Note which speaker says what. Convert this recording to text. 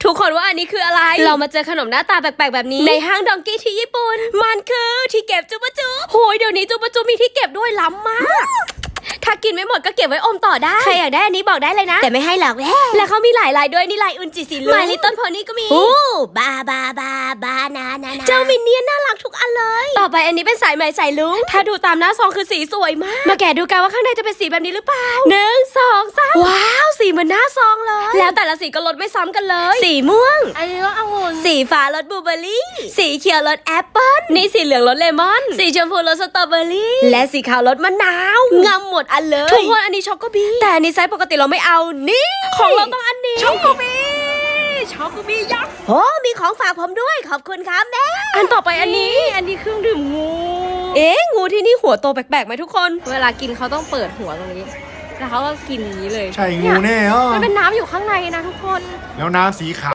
Speaker 1: ทุกคนว่าอันนี้คืออะไรเรามาเจอขนมหน้าตาแปลกๆแบบนี้ในห้างดองกี้ที่ญี่ปุ่นมันคือที่เก็บจูบจูโหยเดี๋ยวนี้จูบจูมีที่เก็บด้วยล้ำมากถ้ากินไม่หมดก็เก็บไว้อมต่อได้ใครอยากได้อันนี้บอกได้เลยนะแต่ไม่ให้หรอกแล้วเขามีหลายลายด้วยนี่ลายอุนจิสีเหลืองMy Little Ponyก็มีบานาเจ้ามินเนี่ยนน่ารักทุกอันเลยต่อไปอันนี้เป็นสายไหมสายลุงถ้าดูตามหน้าซองคือสีสวยมากมาแกะดูกันว่าข้างในจะเป็นสีแบบนี้หรือเปล่า1 2 3ว้าวสีเหมือนหน้าซองเลยแล้วแต่ละสีก็รสไม่ซ้ำกันเลยสีม่วงอันนี้รสองุ่นสีฟ้ารสบลูเบอร์รี่สีเขียวรสแอปเปิ้ลนี่สีเหลืองรสเลมอนสีชมพูรสสตรอเบอร์รี่และสีขาวรสมะนาวงำหมดอันเลยทุกคนอันนี้ช็อกโกบีแต่อันนี้ไซส์ปกติเราไม่เอานี่ของเราต้องอันนี้ช็อกโกบียักษ์โอ้มีของฝากผมด้วยขอบคุณครับแม่อันต่อไปอันนี้เครื่องดื่มงูงูที่นี่หัวโตแปลกๆไหมทุกคนเวลากินเขาต้องเปิดหัวตรงนี้แล้วเขาก็กินอย่างนี้เลย
Speaker 2: ใช่งูแน่
Speaker 1: มันเป็นน้ำอยู่ข้างในนะทุกคน
Speaker 2: แล้วน้ำสีขาว